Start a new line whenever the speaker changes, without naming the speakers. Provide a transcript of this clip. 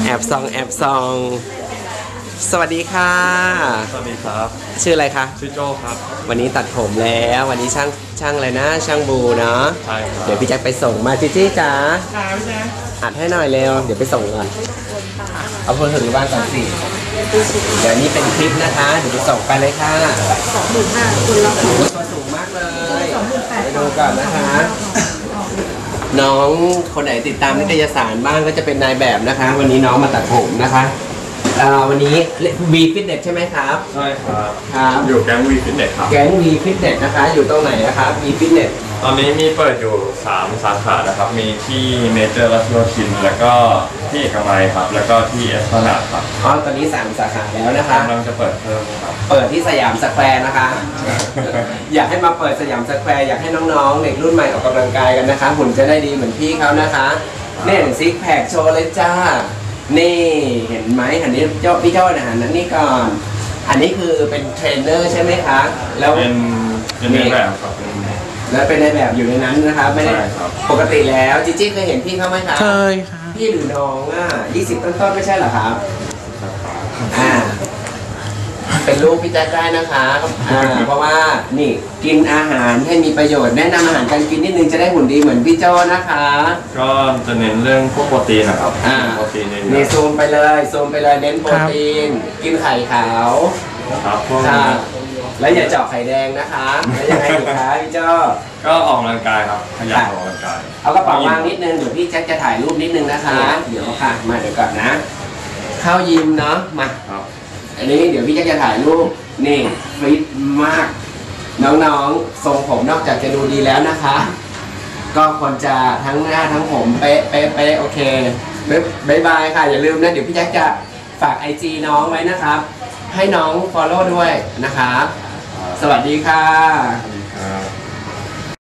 อบซองสวัสดีค่ะ
สวัสดีครับ
ชื่ออะไรคะ
ชื่อโจครับ
วันนี้ตัดผมแล้ววันนี้ช่างอะไรนะช่างบูเนาะ
ใช่ครับ
เดี๋ยวพี่แจ็คไปส่งมาจี้จ๋าอัดให้หน่อยเร็วเดี๋ยวไปส่งก่อนเอาคนถึงบ้านก่อนสิเดี๋ยวนี้เป็นคลิปนะคะเดี๋ยวไปส่งไปเลยค่ะ
25,000คนละ
ตัวสูงมากเลยไปดูก่อนนะคะน้องคนไหนติดตามนิตยสารบ้างก็จะเป็นนายแบบนะคะวันนี้น้องมาตัดผมนะคะวันนี้วีฟิตเนสใช่ไหมครับ
ใช่ครับ
ครับ
อยู่แก๊งวีฟิตเนสครับ
แก๊งวีฟิตเนสนะคะอยู่ตรงไหนนะครับวีฟิตเนส
ตอนนี้มีเปิดอยู่3 สาขานะครับมีที่เมเจอร์รัชโยธินแล้วก็ที่เอกมัยครับแล้วก็ที่เอสพลานาดครับ
ตอนนี้3 สาขาแล้วนะคะ
กำลังจะเปิดเพิ่มครับ
เปิดที่สยามสแควร์นะคะอยากให้มาเปิดสยามสแควร์อยากให้น้องๆเด็กรุ่นใหม่ออกกำลังกายกันนะคะหุ่นจะได้ดีเหมือนพี่เขานะคะเนี่ยซิกแพคโชว์เลยจ้านี่เห็นไหมอันนี้พี่เจ้าอาหารนั้นนี่ก่อนอันนี้คือเป็นเทรนเนอร์ใช่ไหมคะแล้ว
เป็นในแบบครับ
แล้วเป็นในแบบอยู่ในนั้นนะคะไม่ได้ปกติแล้วจิจี้เคยเห็นพี่เขาไหมคะ
เคยค่ะ
พี่หรือน้อง20 ต้นๆไม่ใช่เหรอครับเป็นลูกพี่แจ๊คได้นะคะเพราะว่านี่กินอาหารให้มีประโยชน์แนะนำอาหารการกินนิดนึงจะได้หุ่นดีเหมือนพี่โจ้นะคะ
ก็จะเน้นเรื่องพวกโปรตีนนะครับโปรตีน
นี่ซูมไปเลยเน้นโปรตีนกินไข่ขาว
ครับพวก
แล้วอย่าเจาะไข่แดงนะคะแล้วยังไงอีกคะพี่โจ้
ก็ออกกำลังกายครับขยันออกกำลังกาย
เอากระเป๋าวางนิดนึงเดี๋ยวพี่แจ๊คจะถ่ายรูปนิดนึงนะคะเดี๋ยวค่ะมาเดี๋ยวก่อนนะเข้ายิมเนาะมาอันนี้เดี๋ยวพี่จะถ่ายรูปนี่ฟิตมากน้องๆทรงผมนอกจากจะดูดีแล้วนะคะก็ควรจะทั้งหน้าทั้งผมเป๊ะโอเคบ๊ายบายค่ะอย่าลืมนะเดี๋ยวพี่แจ็คจะฝาก IG น้องไว้นะครับให้น้อง follow ด้วยนะครับสวัสดีค่ะ